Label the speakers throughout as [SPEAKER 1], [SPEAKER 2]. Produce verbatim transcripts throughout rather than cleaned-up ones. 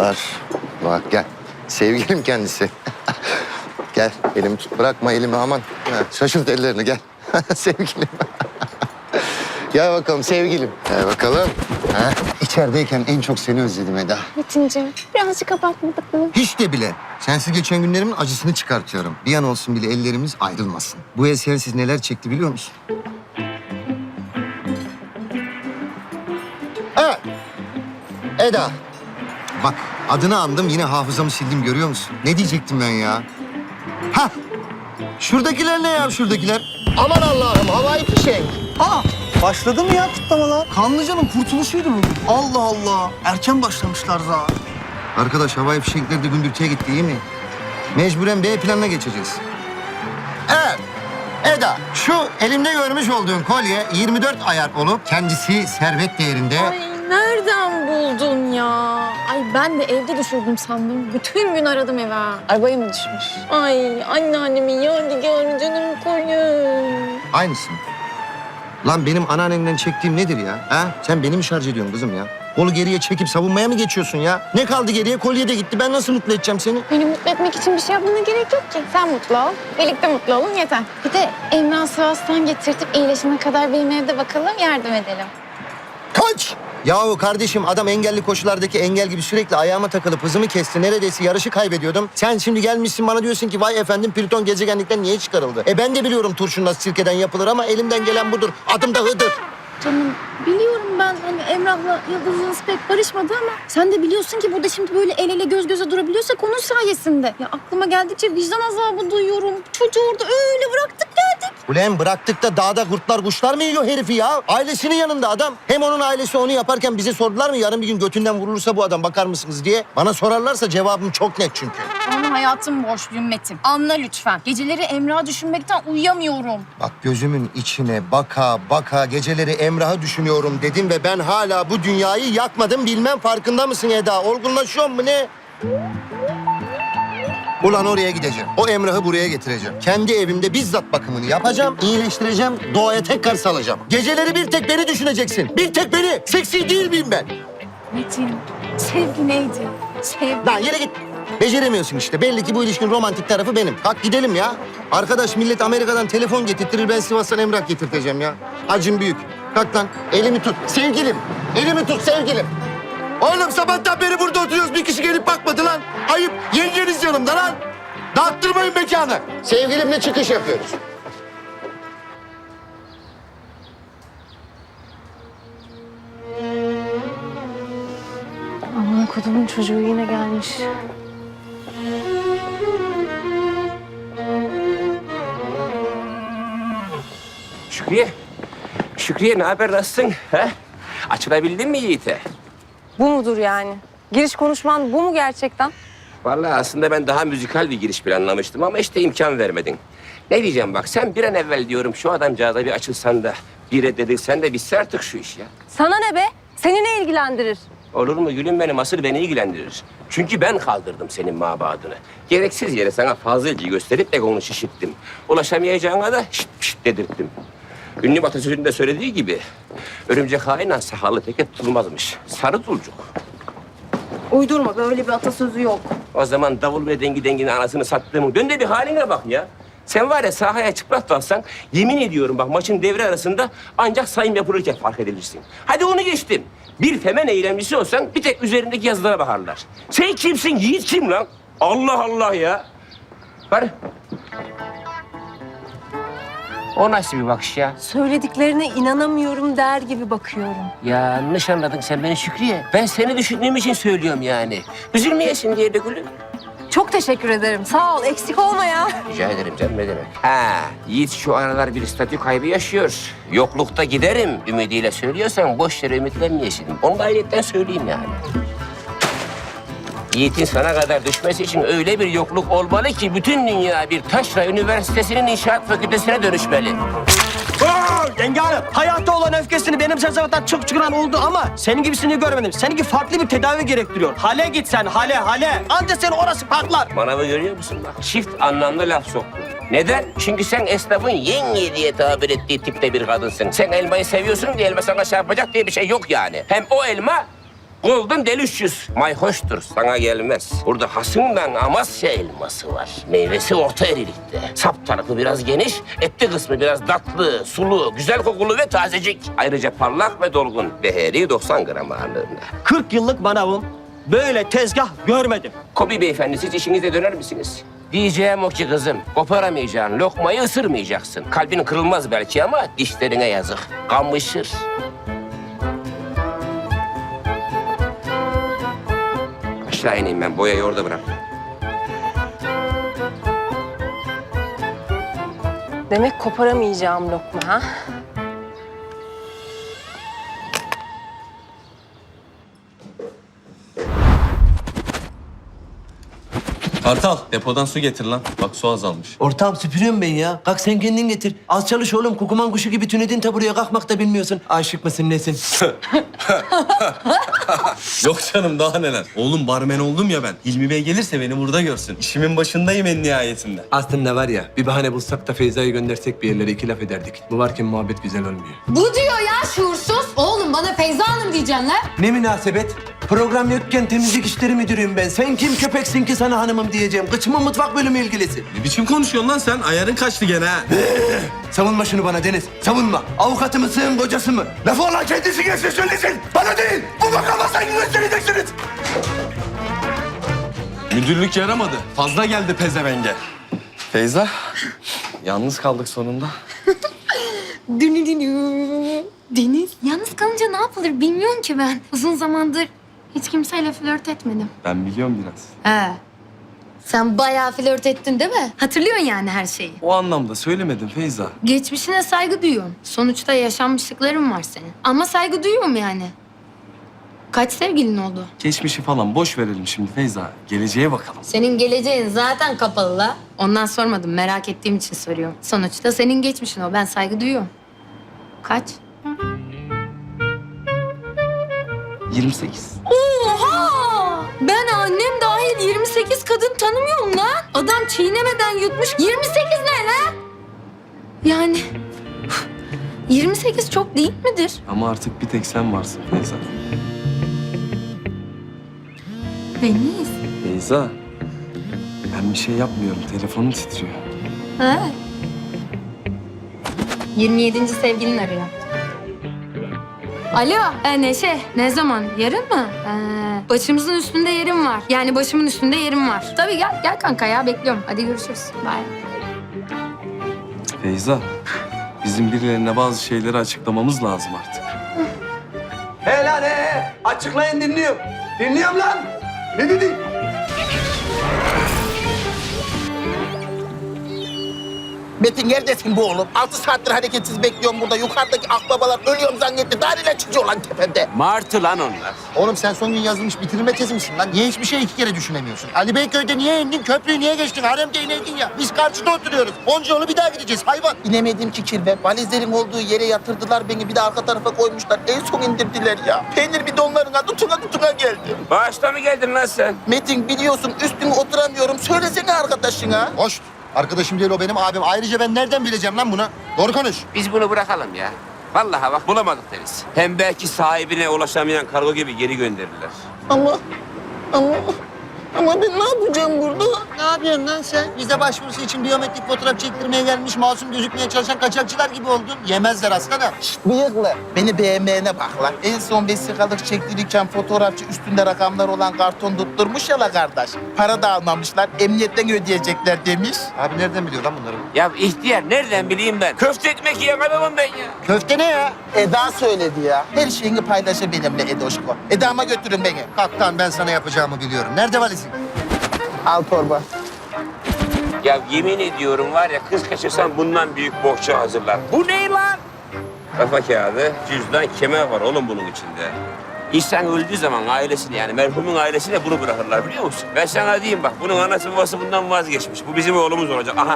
[SPEAKER 1] Merhabalar. Bak gel. Sevgilim kendisi. Gel elimi tut. Bırakma elimi aman. Ha, şaşırt ellerini gel. Sevgilim. Gel bakalım sevgilim. Gel bakalım. Ha, içerideyken en çok seni özledim Eda.
[SPEAKER 2] Metin'ciğim birazcık abartmadık mı?
[SPEAKER 1] Hiç de bile. Sensiz geçen günlerimin acısını çıkartıyorum. Bir an olsun bile ellerimiz ayrılmasın. Bu el sensiz neler çekti biliyor musun? Evet. Eda. Bak adını andım yine hafızamı sildim görüyor musun? Ne diyecektim ben ya? Ha. Şuradakiler ne ya şuradakiler? Aman Allah'ım havai fişek.
[SPEAKER 3] Aa, başladı mı ya kutlamalar? Kanlıca'nın kurtuluşuydu bugün. Allah Allah. Erken başlamışlar zaten.
[SPEAKER 1] Arkadaş havai fişekler de gündürtüye gitti iyi mi? Mecburen B planına geçeceğiz. Evet. Eda, şu elimde görmüş olduğun kolye yirmi dört ayar olup kendisi servet değerinde.
[SPEAKER 2] Ay nereden buldun ya? Ay ben de evde düşürdüm sandım. Bütün gün aradım eve. Arabaya mı düşmüş? Ay anneannemin yadigarı canım koyun.
[SPEAKER 1] Aynısın. Lan benim anneannemden çektiğim nedir ya? Ha? Sen beni mi şarj ediyorsun kızım ya? Kolu geriye çekip savunmaya mı geçiyorsun ya? Ne kaldı geriye? Kolye de gitti. Ben nasıl mutlu edeceğim seni?
[SPEAKER 2] Beni mutlu etmek için bir şey yapmana gerek yok ki. Sen mutlu ol. Birlikte mutlu olun yeter. Bir de Emrah Sivas'tan getirtip iyileşene kadar benim evde bakalım yardım edelim.
[SPEAKER 1] Kaç! Yahu kardeşim adam engelli koşulardaki engel gibi sürekli ayağıma takılıp hızımı kesti. Neredeyse yarışı kaybediyordum. Sen şimdi gelmişsin bana diyorsun ki vay efendim Plüton gezegenlikten niye çıkarıldı? E ben de biliyorum turşun nasıl sirkeden yapılır ama elimden gelen budur. Adım da Hıdır.
[SPEAKER 2] Canım biliyorum ben hani Emrah'la Yıldız'ınız pek barışmadı ama sen de biliyorsun ki burada şimdi böyle el ele göz göze durabiliyorsak onun sayesinde. Ya aklıma geldikçe vicdan azabı duyuyorum. Çocuğu orada öyle bıraktık geldik.
[SPEAKER 1] Ulan bıraktık da dağda kurtlar kuşlar mı yiyor herifi ya? Ailesinin yanında adam. Hem onun ailesi onu yaparken bize sordular mı yarın bir gün götünden vurulursa bu adam bakar mısınız diye. Bana sorarlarsa cevabım çok net çünkü.
[SPEAKER 4] Bana hayatım borçluyum Metin. Anla lütfen. Geceleri Emrah'ı düşünmekten uyuyamıyorum.
[SPEAKER 1] Bak gözümün içine baka baka geceleri Emrah'ı düşünüyorum dedim ve ben hala bu dünyayı yakmadım bilmem farkında mısın Eda? Olgunlaşıyor mu ne? Ulan oraya gideceğim. O Emrah'ı buraya getireceğim. Kendi evimde bizzat bakımını yapacağım, iyileştireceğim, doğaya tekrar salacağım. Geceleri bir tek beni düşüneceksin. Bir tek beni. Seksi değil miyim ben?
[SPEAKER 4] Metin, sevgi neydi? Sevgi.
[SPEAKER 1] Lan yere git. Beceremiyorsun işte. Belli ki bu ilişkinin romantik tarafı benim. Kalk gidelim ya. Arkadaş millet Amerika'dan telefon getirtirir. Ben Sivas'tan Emrah getirteceğim ya. Acım büyük. Kalk lan. Elimi tut. Sevgilim. Elimi tut sevgilim. Oğlum sabahtan beri burada oturuyoruz. Bir kişi gelip bakmadı lan. Ayıp. Yengeniz yanımda lan. Dağıttırmayın mekanı. Sevgilimle çıkış yapıyoruz.
[SPEAKER 2] Aman kodumun çocuğu yine gelmiş.
[SPEAKER 5] Şükriye. Şükriye ne haber nasılsın? He? Açılabildin mi Yiğit'e?
[SPEAKER 6] Bu mudur yani? Giriş konuşman bu mu gerçekten?
[SPEAKER 5] Vallahi aslında ben daha müzikal bir giriş planlamıştım ama işte imkan vermedin. Ne diyeceğim bak sen bir an evvel diyorum şu adamcağıza bir açılsan da bir reddedilsen de bitse artık şu iş ya.
[SPEAKER 6] Sana ne be? Seni ne ilgilendirir?
[SPEAKER 5] Olur mu gülüm benim asıl beni ilgilendirir. Çünkü ben kaldırdım senin mabadını. Gereksiz yere sana fazla ilgi gösterip egonu şişirttim. Ulaşamayacağına da şişt şişt dedirttim. Ünlü atasözünde söylediği gibi örümcek hain sahalı teke tutulmazmış. Sarı tulcuk.
[SPEAKER 6] Uydurma, böyle bir atasözü yok.
[SPEAKER 5] O zaman davul ve dengi denginin anasını sattığımın dön de bir haline bak ya. Sen var ya sahaya çıplak dalsan yemin ediyorum bak maçın devre arasında ancak sayım yapılırken fark edilirsin. Hadi onu geçtim. Bir femen eylemcisi olsan bir tek üzerindeki yazılara bakarlar. Sen kimsin? Yiğit kim lan? Allah Allah ya. Var. O nasıl bir bakış ya?
[SPEAKER 6] Söylediklerine inanamıyorum der gibi bakıyorum.
[SPEAKER 5] Yanlış anladın sen beni Şükriye. Ben seni düşündüğüm için söylüyorum yani. Üzülmeyesin diye de gülüm.
[SPEAKER 6] Çok teşekkür ederim. Sağ ol, eksik olma ya.
[SPEAKER 5] Rica ederim canım ne demek. Ha, Yiğit şu aralar bir statü kaybı yaşıyor. Yoklukta giderim ümidiyle söylüyorsan boş yere ümitlenmeyesin. Onu da ayrıca söyleyeyim yani. Yiğit'in sana kadar düşmesi için öyle bir yokluk olmalı ki bütün dünya bir Taşra Üniversitesi'nin inşaat fakültesine dönüşmeli.
[SPEAKER 3] Oo, yenge hanım, hayatta olan öfkesini benim sezavatan çok çıkaran oldu ama senin gibisini görmedim. Seninki farklı bir tedavi gerektiriyor. Hale git sen, hale, hale. Anca seni orası patlar.
[SPEAKER 5] Manavı görüyor musun bak? Çift anlamlı laf soktun. Neden? Çünkü sen esnafın yenge diye tabir ettiği tipte bir kadınsın. Sen elmayı seviyorsun diye elma sana çarpacak diye bir şey yok yani. Hem o elma Golden Delicious. Mayhoştur, sana gelmez. Burada hasından Amasya elması var. Meyvesi orta erilikte. Sap tarafı biraz geniş, etli kısmı biraz tatlı, sulu, güzel kokulu ve tazecik. Ayrıca parlak ve dolgun. Beheri doksan gram ağırlığında.
[SPEAKER 3] kırk yıllık manavım. Böyle tezgah görmedim.
[SPEAKER 5] Kobi beyefendi, siz işinize döner misiniz? Diyeceğim o ki kızım, koparamayacağın lokmayı ısırmayacaksın. Kalbin kırılmaz belki ama dişlerine yazık. Kamışır. Aşağı ineyim ben, boyayı orada bırak.
[SPEAKER 6] Demek koparamayacağım lokma ha?
[SPEAKER 7] Kartal, depodan su getir lan. Bak su azalmış.
[SPEAKER 8] Ortağım süpürüyorum ben ya. Kalk sen kendin getir. Az çalış oğlum. Kukuman kuşu gibi tünedin ta buraya kalkmak da bilmiyorsun. Aşık mısın nesin?
[SPEAKER 7] Yok canım, daha neler. Oğlum barmen oldum ya ben. Hilmi Bey gelirse beni burada görsün. İşimin başındayım en nihayetinde.
[SPEAKER 8] Aslında var ya bir bahane bulsak da Feyza'yı göndersek bir yerlere iki laf ederdik. Bu varken muhabbet güzel olmuyor.
[SPEAKER 4] Bu diyor ya şuursuz. Oğlum bana Feyza Hanım diyeceksin lan.
[SPEAKER 8] Ne münasebet? Program yokken temizlik işleri müdürüyüm ben. Sen kim köpeksin ki sana hanımım diyeceğim. Kıçımın mutfak bölümü ilgilisi.
[SPEAKER 7] Ne biçim konuşuyorsun lan sen? Ayarın kaçtı gene ha.
[SPEAKER 8] Savunma şunu bana Deniz. Savunma. Avukatı mısın, kocası mı? Lafı olan kendisi gelsin söylesin. Bana değil. Bu makama saygı göstereceksiniz.
[SPEAKER 7] Müdürlük yaramadı. Fazla geldi pezevenge. Feyza, yalnız kaldık sonunda.
[SPEAKER 2] Deniz, yalnız kalınca ne yapılır bilmiyorum ki ben. Uzun zamandır hiç kimseyle flört etmedim.
[SPEAKER 7] Ben biliyorum biraz.
[SPEAKER 2] He. Sen bayağı flört ettin değil mi? Hatırlıyorsun yani her şeyi.
[SPEAKER 7] O anlamda söylemedim Feyza.
[SPEAKER 2] Geçmişine saygı duyuyorum. Sonuçta yaşanmışlıkların var senin. Ama saygı duyuyorum yani. Kaç sevgilin oldu?
[SPEAKER 7] Geçmişi falan boş verelim şimdi Feyza. Geleceğe bakalım.
[SPEAKER 2] Senin geleceğin zaten kapalı la. Ondan sormadım, merak ettiğim için soruyorum. Sonuçta senin geçmişin o, ben saygı duyuyorum. Kaç?
[SPEAKER 7] yirmi sekiz.
[SPEAKER 2] Oha! Ben annem dahil yirmi sekiz kadın tanımıyorum lan. Adam çiğnemeden yutmuş. yirmi sekiz ne lan? Yani yirmi sekiz çok değil midir?
[SPEAKER 7] Ama artık bir tek sen varsın Feyza.
[SPEAKER 2] Deniz.
[SPEAKER 7] Feyza, ben bir şey yapmıyorum. Telefonum titriyor.
[SPEAKER 2] Ha. yirmi yedinci sevgilin arıyor. Alo, e, Neşe. Ne zaman? Yarın mı? Ee, başımızın üstünde yerim var. Yani başımın üstünde yerim var. Tabii gel, gel kanka ya. Bekliyorum. Hadi görüşürüz. Bye.
[SPEAKER 7] Feyza, bizim birilerine bazı şeyleri açıklamamız lazım artık.
[SPEAKER 8] He lan he. Açıklayın dinliyorum. Dinliyorum lan. Ne dedin?
[SPEAKER 9] Metin neredesin bu oğlum? Altı saattir hareketsiz bekliyorum burada. Yukarıdaki akbabalar ölüyorum zannetti. Daireler çıkıyor lan tepemde.
[SPEAKER 5] Martı lan onlar.
[SPEAKER 1] Oğlum sen son gün yazılmış bitirme tezi misin lan? Niye hiçbir şey iki kere düşünemiyorsun? Ali Beyköy'de niye indin? Köprüyü niye geçtin? Haremde ineydin ya. Biz karşıda oturuyoruz. Onca yolu bir daha gideceğiz hayvan.
[SPEAKER 9] İnemedim ki kirve. Valizlerin olduğu yere yatırdılar beni. Bir de arka tarafa koymuşlar. En son indirdiler ya. Peynir bidonlarına tutuna tutuna geldi.
[SPEAKER 5] Bağışta mı geldin lan sen?
[SPEAKER 9] Metin biliyorsun üstüne oturamıyorum. Söylesene arkadaşına.
[SPEAKER 1] Hoş. Arkadaşım değil o benim abim. Ayrıca ben nereden bileceğim lan bunu? Doğru konuş.
[SPEAKER 5] Biz bunu bırakalım ya. Vallahi bak bulamadık deriz. Hem belki sahibine ulaşamayan kargo gibi geri gönderirler.
[SPEAKER 9] Ama, ama, ama ben ne yapacağım burada?
[SPEAKER 1] Ne yapıyorsun lan sen? Vize başvurusu için biyometrik fotoğraf çektirmeye gelmiş masum gözükmeye çalışan kaçakçılar gibi oldun. Yemezler aslanım.
[SPEAKER 9] Bıyıklı. Beni beğenmeyene bak lan. En son vesikalık çektirirken fotoğrafçı üstünde rakamlar olan karton tutturmuş ya la kardeş. Para da almamışlar. Emniyetten ödeyecekler demiş.
[SPEAKER 1] Abi nereden biliyor lan bunları?
[SPEAKER 5] Ya ihtiyar nereden bileyim ben? Köfte ekmek yiyen adamım ben ya.
[SPEAKER 1] Köfte ne ya?
[SPEAKER 9] Eda söyledi ya. Her şeyini paylaşır benimle Edoşko. Eda'ma götürün beni.
[SPEAKER 1] Kaptan ben sana yapacağımı biliyorum. Nerede valizin?
[SPEAKER 9] Al torba.
[SPEAKER 5] Ya yemin ediyorum var ya kız kaçırsan bundan büyük bohça hazırlar. Bu ne lan? Kafa kağıdı, cüzdan, kemer var oğlum bunun içinde. İnsan öldüğü zaman ailesine yani merhumun ailesine bunu bırakırlar biliyor musun? Ben sana diyeyim bak bunun anası babası bundan vazgeçmiş. Bu bizim oğlumuz olacak. Aha.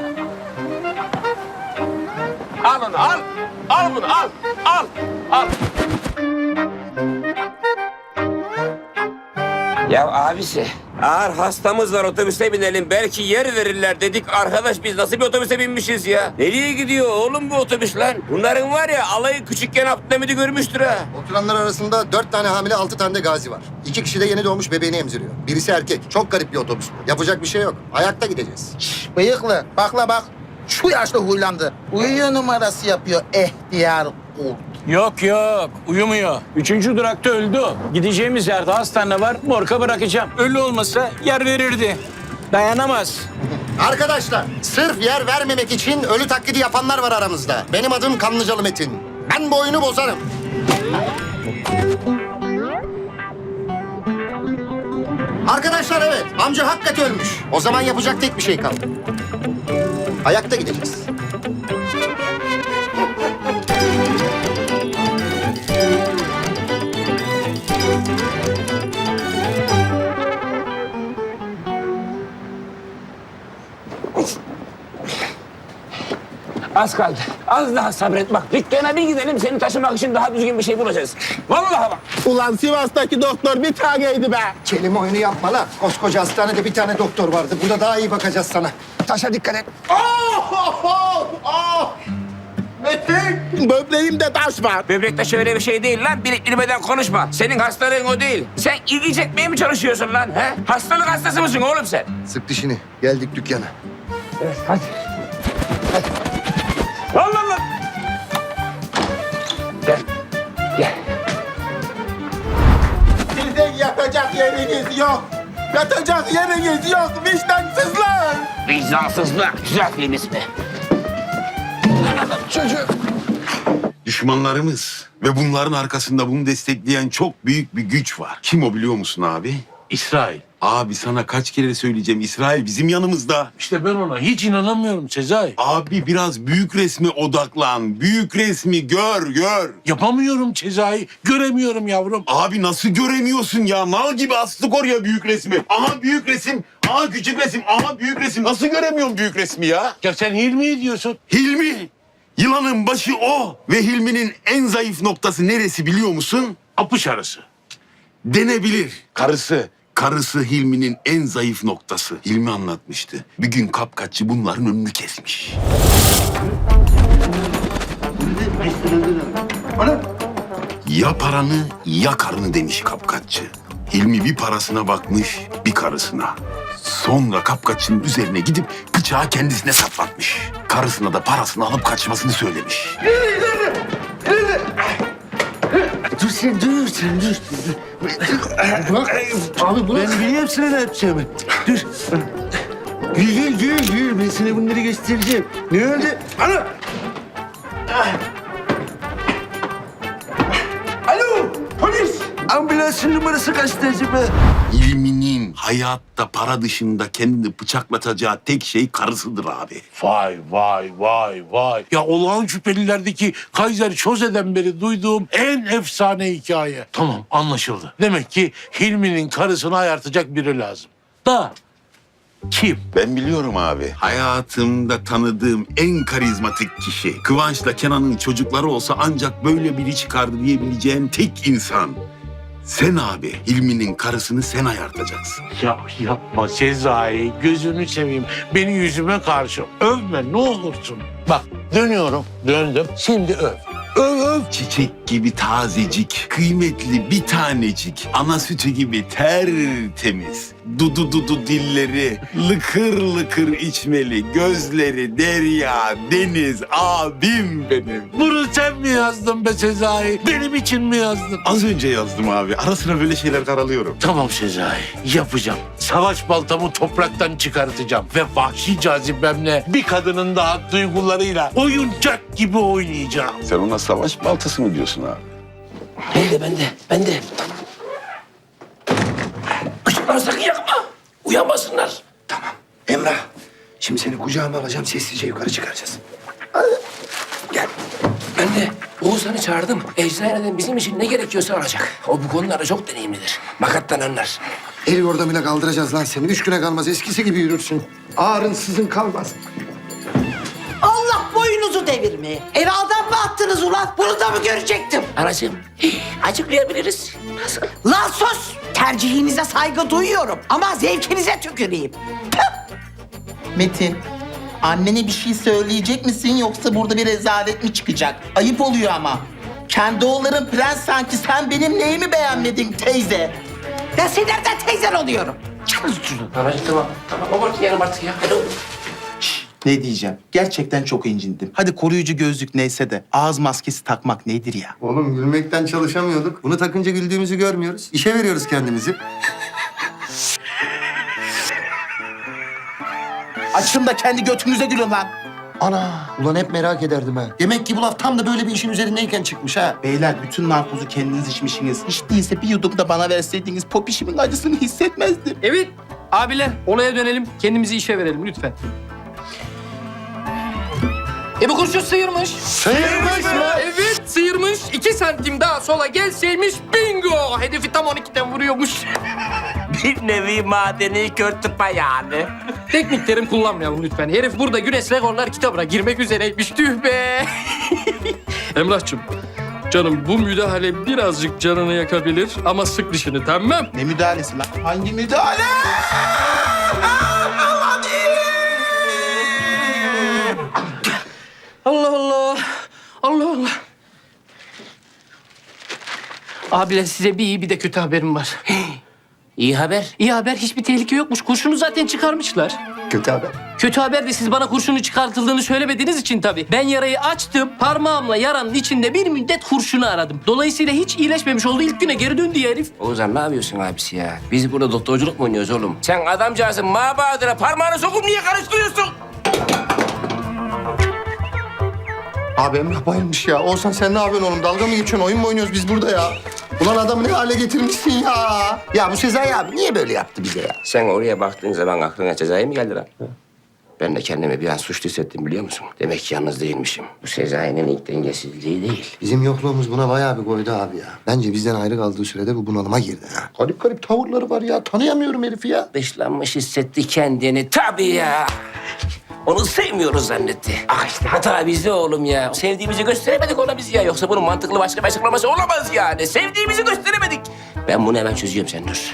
[SPEAKER 5] Al onu al. Al bunu al. Al. Al. Ya abisi Ağır hastamız var, otobüse binelim. Belki yer verirler dedik. Arkadaş biz nasıl bir otobüse binmişiz ya? Nereye gidiyor oğlum bu otobüs lan? Bunların var ya alayı küçükken Abdülhamid'i görmüştür ha.
[SPEAKER 1] Oturanlar arasında dört tane hamile, altı tane de gazi var. İki kişi de yeni doğmuş bebeğini emziriyor. Birisi erkek. Çok garip bir otobüs bu. Yapacak bir şey yok. Ayakta gideceğiz.
[SPEAKER 9] Bıyıklı, bakla bak. Şu yaşta huylandı. Uyuyor numarası yapıyor ihtiyar kurt.
[SPEAKER 10] Yok yok uyumuyor. Üçüncü durakta öldü o. Gideceğimiz yerde hastane var, morga bırakacağım. Ölü olmasa yer verirdi. Dayanamaz.
[SPEAKER 1] Arkadaşlar, sırf yer vermemek için ölü taklidi yapanlar var aramızda. Benim adım Kanlıcalı Metin. Ben bu oyunu bozarım. Arkadaşlar evet, amca hakikaten ölmüş. O zaman yapacak tek bir şey kaldı. Ayakta gideceğiz.
[SPEAKER 5] Az kaldı. Az daha sabret bak. Dükkana bir gidelim seni taşımak için daha düzgün bir şey bulacağız. Vallahi bak.
[SPEAKER 9] Ulan Sivas'taki doktor bir taneydi be.
[SPEAKER 1] Kelime oyunu yapma lan. Koskoca hastanede bir tane doktor vardı. Burada daha iyi bakacağız sana. Taşa dikkat et.
[SPEAKER 9] Oh, oh, oh, oh. Metin, böbreğimde taş var.
[SPEAKER 5] Böbrekte şöyle bir şey değil lan. Bilip bilmeden konuşma. Senin hastalığın o değil. Sen ilgi çekmeye mi çalışıyorsun lan? He? Hastalık hastası mısın oğlum sen?
[SPEAKER 1] Sık dişini. Geldik dükkana.
[SPEAKER 5] Evet hadi. Allah Allah. Gel. Gel.
[SPEAKER 9] Sizin yatacak yeriniz yok. Yatacak yeriniz yok vicdansızlar.
[SPEAKER 5] Vicdansızlık. Güzel film ismi.
[SPEAKER 11] Düşmanlarımız ve bunların arkasında bunu destekleyen çok büyük bir güç var. Kim o biliyor musun abi? İsrail. Abi sana kaç kere söyleyeceğim, İsrail bizim yanımızda.
[SPEAKER 10] İşte ben ona hiç inanamıyorum Sezai.
[SPEAKER 11] Abi biraz büyük resme odaklan. Büyük resmi gör, gör.
[SPEAKER 10] Yapamıyorum Sezai. Göremiyorum yavrum.
[SPEAKER 11] Abi nasıl göremiyorsun ya? Mal gibi astık oraya büyük resmi. Aha büyük resim, aha küçük resim, aha büyük resim. Nasıl göremiyorum büyük resmi ya?
[SPEAKER 10] Ya sen Hilmi'yi diyorsun.
[SPEAKER 11] Hilmi. Yılanın başı o. Ve Hilmi'nin en zayıf noktası neresi biliyor musun?
[SPEAKER 10] Apış arası.
[SPEAKER 11] Denebilir. Karısı. Karısı Hilmi'nin en zayıf noktası. Hilmi anlatmıştı. Bir gün kapkaççı bunların önünü kesmiş. Ya paranı ya karını demiş kapkaççı. Hilmi bir parasına bakmış, bir karısına. Sonra kapkaççının üzerine gidip bıçağı kendisine saplatmış. Karısına da parasını alıp kaçmasını söylemiş.
[SPEAKER 1] Dur sen, dur sen, dur. Bak, abi bırak. Ben biliyorum sana ne yapacağımı. Dur. Gül, gül, gül, gül. Ben sana bunları göstereceğim. Ne oldu? Ana! Alo, polis! Ambulansın numarası kaçtı acaba?
[SPEAKER 11] Hilmi'nin hayatta para dışında kendini bıçaklatacağı tek şey karısıdır abi.
[SPEAKER 10] Vay vay vay vay. Ya olağan şüphelilerdeki Kaiser Çoze'den beri duyduğum en efsane hikaye. Tamam anlaşıldı. Demek ki Hilmi'nin karısını ayartacak biri lazım. Da kim?
[SPEAKER 11] Ben biliyorum abi. Hayatımda tanıdığım en karizmatik kişi. Kıvanç'la Kenan'ın çocukları olsa ancak böyle biri çıkardı diyebileceğim tek insan. Sen abi, Hilmi'nin karısını sen ayartacaksın.
[SPEAKER 10] Ya yapma Sezai, gözünü seveyim. Beni yüzüme karşı övme ne olursun. Bak dönüyorum, döndüm. Şimdi öv. Öv öv.
[SPEAKER 11] Çiçek gibi tazecik, kıymetli bir tanecik, ana sütü gibi tertemiz. Dudu dudu dilleri, lıkır lıkır içmeli, gözleri derya, deniz, abim benim.
[SPEAKER 10] Bunu sen mi yazdın be Sezai? Benim için mi yazdın?
[SPEAKER 11] Az önce yazdım abi. Ara sıra böyle şeyler karalıyorum.
[SPEAKER 10] Tamam Sezai, yapacağım. Savaş baltamı topraktan çıkartacağım. Ve vahşi cazibemle bir kadının daha duygularıyla oyuncak gibi oynayacağım.
[SPEAKER 11] Sen ona savaş baltası mı diyorsun abi?
[SPEAKER 5] Ben de, ben de, ben de. Işıkları sakın yakma. Uyanmasınlar.
[SPEAKER 8] Tamam. Emrah, şimdi seni kucağıma alacağım, sessizce yukarı çıkaracağız.
[SPEAKER 5] Gel. Ben de Oğuzhan'ı çağırdım. Eczaneden bizim için ne gerekiyorsa alacak. O bu konularda çok deneyimlidir. Makattan anlar.
[SPEAKER 1] El yordamıyla kaldıracağız lan seni. Üç güne kalmaz. Eskisi gibi yürürsün. Ağrın sızın kalmaz.
[SPEAKER 12] Allah boynunuzu devirmeye. Eve adam mı attınız ulan? Bunu da mı görecektim?
[SPEAKER 5] Anacığım, açıklayabiliriz.
[SPEAKER 12] lazım. Lan sus! Tercihinize saygı duyuyorum ama zevkinize tüküreyim.
[SPEAKER 9] Metin, annene bir şey söyleyecek misin yoksa burada bir rezalet mi çıkacak? Ayıp oluyor ama. Kendi oğulların prens sanki, sen benim neyimi beğenmedin teyze?
[SPEAKER 12] Ben senin nereden teyzen oluyorum?
[SPEAKER 5] Babacığım tamam. Tamam abartmayalım artık ya. Hadi oğlum.
[SPEAKER 9] Ne diyeceğim? Gerçekten çok incindim. Hadi koruyucu gözlük neyse de ağız maskesi takmak nedir ya?
[SPEAKER 1] Oğlum gülmekten çalışamıyorduk. Bunu takınca güldüğümüzü görmüyoruz. İşe veriyoruz kendimizi.
[SPEAKER 9] Açın da kendi götünüze gülün lan.
[SPEAKER 1] Ana! Ulan hep merak ederdim ha. Demek ki bu laf tam da böyle bir işin üzerindeyken çıkmış ha.
[SPEAKER 9] Beyler bütün narkozu kendiniz içmişsiniz. Hiç değilse bir yudum da bana verseydiniz popişimin acısını hissetmezdim.
[SPEAKER 3] Evet. Abiler olaya dönelim. Kendimizi işe verelim lütfen. E bu kurşun sıyırmış.
[SPEAKER 1] Sıyırmış mı?
[SPEAKER 3] Evet sıyırmış. İki santim daha sola gelseymiş bingo. Hedefi tam on ikiden vuruyormuş.
[SPEAKER 5] Bir nevi madeni kör tıpa yani.
[SPEAKER 3] Teknik terim kullanmayalım lütfen. Herif burada Güneş Rekorlar kitabına girmek üzereymiş. Tüh be. Emrah'cığım. Canım bu müdahale birazcık canını yakabilir ama sık dişini tamam.
[SPEAKER 9] Ne müdahalesi lan? Hangi müdahale?
[SPEAKER 3] Allah Allah. Allah Allah. Abiler size bir iyi bir de kötü haberim var.
[SPEAKER 5] İyi haber.
[SPEAKER 3] İyi haber hiçbir tehlike yokmuş. Kurşunu zaten çıkarmışlar.
[SPEAKER 1] Kötü haber.
[SPEAKER 3] Kötü haber de siz bana kurşunu çıkartıldığını söylemediğiniz için tabii. Ben yarayı açtım. Parmağımla yaranın içinde bir müddet kurşunu aradım. Dolayısıyla hiç iyileşmemiş oldu. İlk güne geri döndü ya herif.
[SPEAKER 5] Oğuzhan ne yapıyorsun abisi ya? Biz burada doktorculuk mu oynuyoruz oğlum? Sen adamcağızın mabadına parmağını sokup niye karıştırıyorsun?
[SPEAKER 1] Abi Emrah bayılmış ya. Oğuzhan sen ne yapıyorsun oğlum? Dalga mı geçiyorsun? Oyun mu oynuyoruz biz burada ya? Ulan adamı ne hale getirmişsin ya? Ya bu Sezai abi niye böyle yaptı bize ya?
[SPEAKER 5] Sen oraya baktığın zaman aklına cezayı mı geldi lan? Ben de kendimi bir an suçlu hissettim biliyor musun? Demek ki yalnız değilmişim. Bu Sezai'nin ilk dengesizliği değil.
[SPEAKER 1] Bizim yokluğumuz buna bayağı bir koydu abi ya. Bence bizden ayrı kaldığı sürede bu bunalıma girdi ha. Garip garip tavırları var ya. Tanıyamıyorum herifi ya.
[SPEAKER 5] Dışlanmış hissetti kendini. Tabii ya. Onu sevmiyoruz zannetti. Ah işte hata bizde oğlum ya. Sevdiğimizi gösteremedik ona biz ya. Yoksa bunun mantıklı başka bir açıklaması olamaz yani. Sevdiğimizi gösteremedik. Ben bunu hemen çözüyorum sen dur.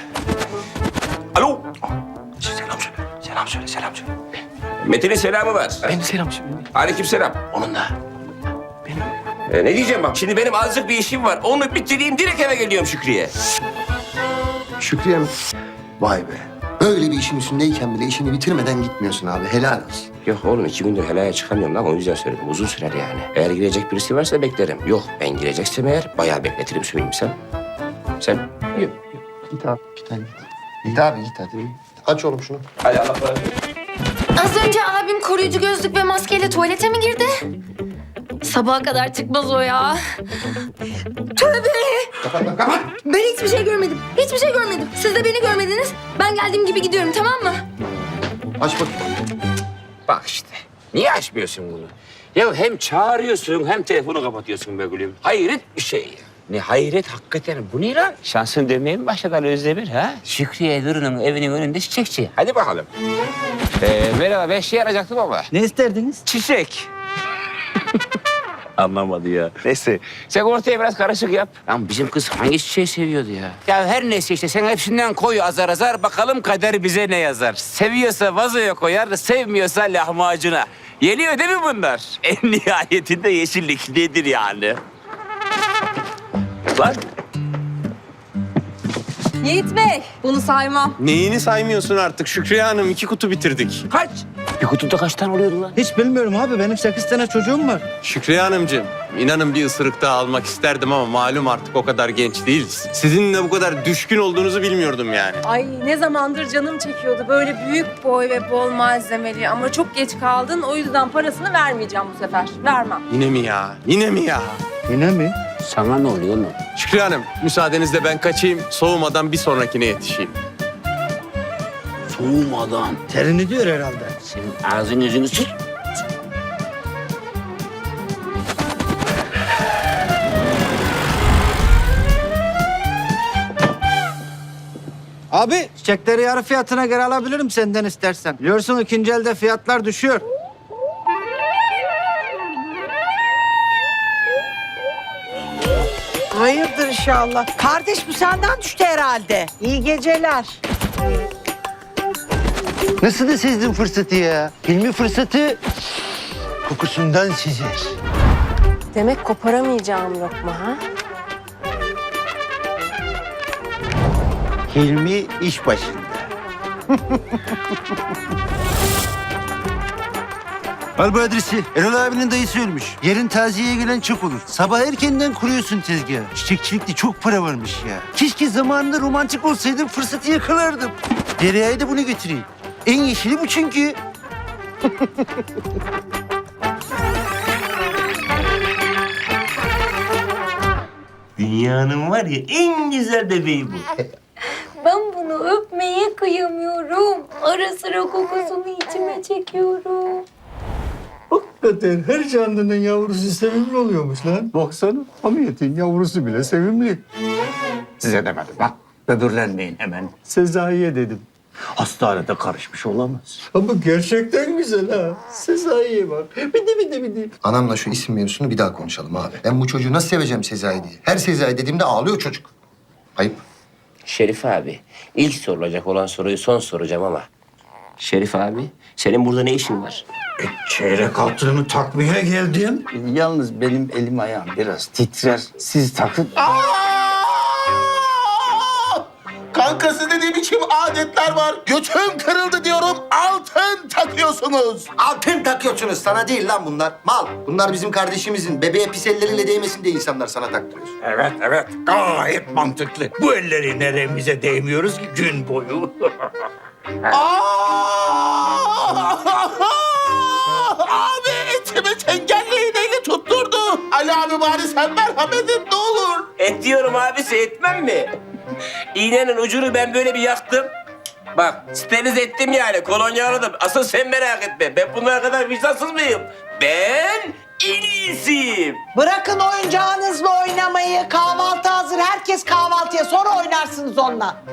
[SPEAKER 5] Alo. Selam söyle. Selam söyle. Selam söyle. Metin'in selamı var.
[SPEAKER 3] Benim selam şimdi.
[SPEAKER 5] Aleyküm selam. Onun da. Benim. Ee, ne diyeceğim bak. Şimdi benim azıcık bir işim var. Onu bitireyim direkt eve geliyorum Şükrü'ye.
[SPEAKER 1] Şükrü'ye mi? Vay be. Böyle bir işin üstündeyken bile işini bitirmeden gitmiyorsun abi. Helal olsun.
[SPEAKER 5] Yok oğlum iki gündür helaya çıkamıyorum lan o yüzden söyledim. Uzun sürer yani. Eğer girecek birisi varsa beklerim. Yok ben gireceksem eğer bayağı bekletirim söyleyeyim sen. Sen? Yok.
[SPEAKER 1] Git abi. Git hadi git. Git abi git hadi. Aç oğlum şunu.
[SPEAKER 5] Hadi Allah razı olsun.
[SPEAKER 2] Az önce abim koruyucu gözlük ve maskeyle tuvalete mi girdi? Sabaha kadar çıkmaz o ya. Tövbe! Ben hiçbir şey görmedim. Hiçbir şey görmedim. Siz de beni görmediniz. Ben geldiğim gibi gidiyorum tamam mı?
[SPEAKER 1] Aç bakayım.
[SPEAKER 5] Bak işte. Niye açmıyorsun bunu? Ya hem çağırıyorsun hem telefonu kapatıyorsun be gülüm. Hayret bir şey ya. Ne hayret hakikaten. Bu ne lan? Şansın dönmeye mi başladı Ali Özdemir ha? Şükriye Duru'nun evinin önünde çiçekçi. Hadi bakalım. Ee, merhaba ben şey arayacaktım ama.
[SPEAKER 12] Ne isterdiniz?
[SPEAKER 5] Çiçek. Anlamadı ya. Neyse sen ortaya biraz karışık yap. Lan bizim kız hangi çiçeği seviyordu ya? Ya her neyse işte sen hepsinden koy azar azar. Bakalım kader bize ne yazar. Seviyorsa vazoya koyar, sevmiyorsa lahmacuna. Yeniyor değil mi bunlar? En nihayetinde yeşillik nedir yani? Lan
[SPEAKER 6] Yiğit Bey, bunu saymam.
[SPEAKER 7] Neyini saymıyorsun artık Şükriye Hanım? İki kutu bitirdik.
[SPEAKER 5] kaç? Bir kutuda kaç tane oluyordu lan?
[SPEAKER 12] Hiç bilmiyorum abi. Benim sekiz tane çocuğum var.
[SPEAKER 7] Şükriye Hanımcığım, inanın bir ısırık daha almak isterdim ama malum artık o kadar genç değiliz. Sizinle bu kadar düşkün olduğunuzu bilmiyordum yani.
[SPEAKER 6] Ay ne zamandır canım çekiyordu. Böyle büyük boy ve bol malzemeli ama çok geç kaldın. O yüzden parasını vermeyeceğim bu sefer. Vermem.
[SPEAKER 7] Yine mi ya? Yine mi ya?
[SPEAKER 12] Yine mi?
[SPEAKER 5] Sana ne oluyor oğlum?
[SPEAKER 7] Şükriye Hanım, müsaadenizle ben kaçayım. Soğumadan bir sonrakine yetişeyim.
[SPEAKER 5] Soğumadan.
[SPEAKER 12] Terini diyor herhalde.
[SPEAKER 5] Senin ağzın yüzünü sür.
[SPEAKER 12] Abi çiçekleri yarı fiyatına göre alabilirim senden istersen. Biliyorsun ikinci elde fiyatlar düşüyor. Hayırdır
[SPEAKER 13] inşallah. Kardeş bu senden düştü herhalde. İyi geceler.
[SPEAKER 12] Nasıl da sezdin fırsatı ya? Hilmi fırsatı kokusundan sezer.
[SPEAKER 6] Demek koparamayacağım lokma ha?
[SPEAKER 12] Hilmi iş başında. Al bu adresi. Erol abinin dayısı ölmüş. Yarın taziyeye gelen çok olur. Sabah erkenden kuruyorsun tezgahı. Çiçekçilikte çok para varmış ya. Keşke zamanında romantik olsaydım, fırsatı yakalardım. Derya'ya da bunu götüreyim. En yeşili bu çünkü.
[SPEAKER 5] Dünyanın var ya en güzel bebeği bu.
[SPEAKER 2] Ben bunu öpmeye kıyamıyorum. Ara sıra kokusunu içime çekiyorum.
[SPEAKER 1] Hakikaten her canlının yavrusu sevimli oluyormuş lan. Baksana Hamiyet'in yavrusu bile sevimli.
[SPEAKER 12] Size demedim bak. Böbürlenmeyin hemen.
[SPEAKER 1] Sezai'ye dedim.
[SPEAKER 12] Hastanede karışmış olamaz.
[SPEAKER 1] Ama gerçekten güzel ha. Sezai'ye bak. Bidi bidi bidi. Anamla şu isim mevzusunu bir daha konuşalım abi. Ben bu çocuğu nasıl seveceğim Sezai diye. Her Sezai dediğimde ağlıyor çocuk. Ayıp.
[SPEAKER 5] Şerif abi, ilk sorulacak olan soruyu son soracağım ama. Şerif abi, senin burada ne işin var?
[SPEAKER 12] Çeyrek altınımı takmaya geldim. Yalnız benim elim ayağım biraz titrer. Siz takın.
[SPEAKER 9] Kankası ne biçim adetler var? Götüm kırıldı diyorum. Altın takıyorsunuz.
[SPEAKER 1] Altın takıyorsunuz. Sana değil lan bunlar. Mal. Bunlar bizim kardeşimizin. Bebeğe pis elleriyle değmesin diye insanlar sana taktırıyor.
[SPEAKER 12] Evet evet gayet mantıklı. Bu elleri neremize değmiyoruz ki gün boyu.
[SPEAKER 9] Abi etimi çengelli iğneyle tutturdu. Ali abi bari sen merhamet et ne olur.
[SPEAKER 5] Et diyorum abisi, etmem mi? İğnenin ucunu ben böyle bir yaktım. Bak, sterilize ettim yani, kolonya aradım. Asıl sen merak etme, ben bunlara kadar vicdansız mıyım? Ben en iyisiyim.
[SPEAKER 13] Bırakın oyuncağınızla oynamayı. Kahvaltı hazır. Herkes kahvaltıya. Sonra oynarsınız onunla.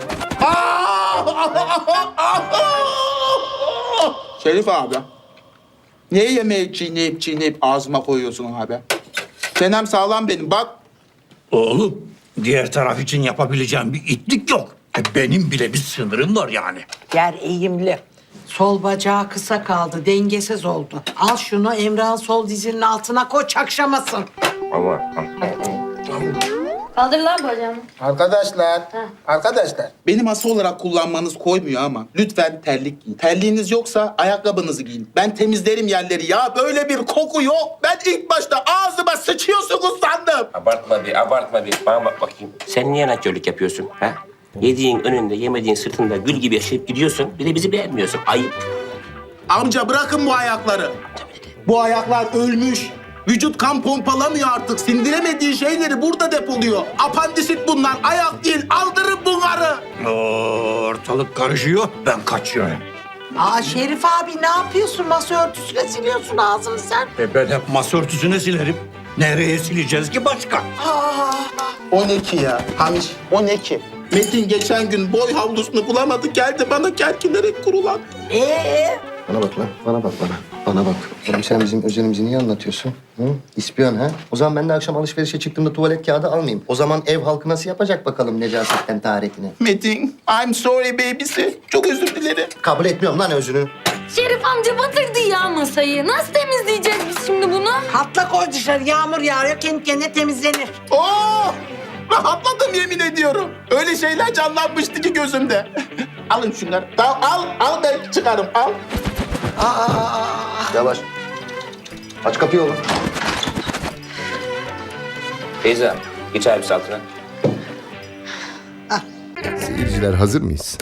[SPEAKER 9] Şerif abi. Niye yemeği çiğneyip çiğneyip ağzıma koyuyorsun abi? Çenem sağlam benim bak.
[SPEAKER 12] Oğlum diğer taraf için yapabileceğim bir itlik yok. E, Benim bile bir sınırım var yani.
[SPEAKER 13] Yer eğimli. Sol bacağı kısa kaldı. Dengesiz oldu. Al şunu Emrah'ın sol dizinin altına koy çakşamasın.
[SPEAKER 5] Ama
[SPEAKER 2] Kaldır lan bacağını.
[SPEAKER 9] Arkadaşlar, arkadaşlar. Benim ası olarak kullanmanız koymuyor ama lütfen terlik giyin. Terliğiniz yoksa ayakkabınızı giyin. Ben temizlerim yerleri ya. Böyle bir koku yok. Ben ilk başta ağzıma sıçıyorsunuz sandım.
[SPEAKER 5] abartma bir, abartma bir. Bana bak bakayım. Sen niye nankörlük yapıyorsun, ha? Yediğin önünde, yemediğin sırtında gül gibi yaşayıp gidiyorsun. Bir de bizi beğenmiyorsun. Ayıp.
[SPEAKER 9] Amca bırakın bu ayakları. Bu ayaklar ölmüş. Vücut kan pompalamıyor artık. Sindiremediği şeyleri burada depoluyor. Apandisit bunlar. Ayak değil. Aldırın bunları.
[SPEAKER 12] Ortalık karışıyor. Ben kaçıyorum.
[SPEAKER 13] Aa Şerif abi ne yapıyorsun? Masa örtüsüyle siliyorsun ağzını sen.
[SPEAKER 12] E ben hep masa örtüsüne silerim. Nereye sileceğiz ki başka?
[SPEAKER 9] on iki ya. Hamiş. on iki. Metin geçen gün boy havlusunu bulamadı. Geldi bana kerkinerek kurulan.
[SPEAKER 13] Ee?
[SPEAKER 1] Bana bak lan. Bana bak bana. Bana bak. Oğlum sen bizim özelimizi niye anlatıyorsun? Hı? İspiyon ha? O zaman ben de akşam alışverişe çıktığımda tuvalet kağıdı almayayım. O zaman ev halkı nasıl yapacak bakalım necasetten taharetini?
[SPEAKER 9] Metin, I'm sorry babysi. Çok özür dilerim.
[SPEAKER 1] Kabul etmiyorum lan özünü.
[SPEAKER 2] Şerif amca batırdı ya masayı. Nasıl temizleyeceğiz biz şimdi bunu?
[SPEAKER 13] Katla koy dışarı. Yağmur yağıyor. Kendi kendine temizlenir.
[SPEAKER 9] Oo! Rahatladım yemin ediyorum. Öyle şeyler canlanmıştı ki gözümde. Alın şunları. Al, al, al ben çıkarım. Al.
[SPEAKER 1] Yavaş. Aç kapıyı oğlum.
[SPEAKER 5] Feyza, geç abisi altına.
[SPEAKER 1] Seyirciler hazır mıyız?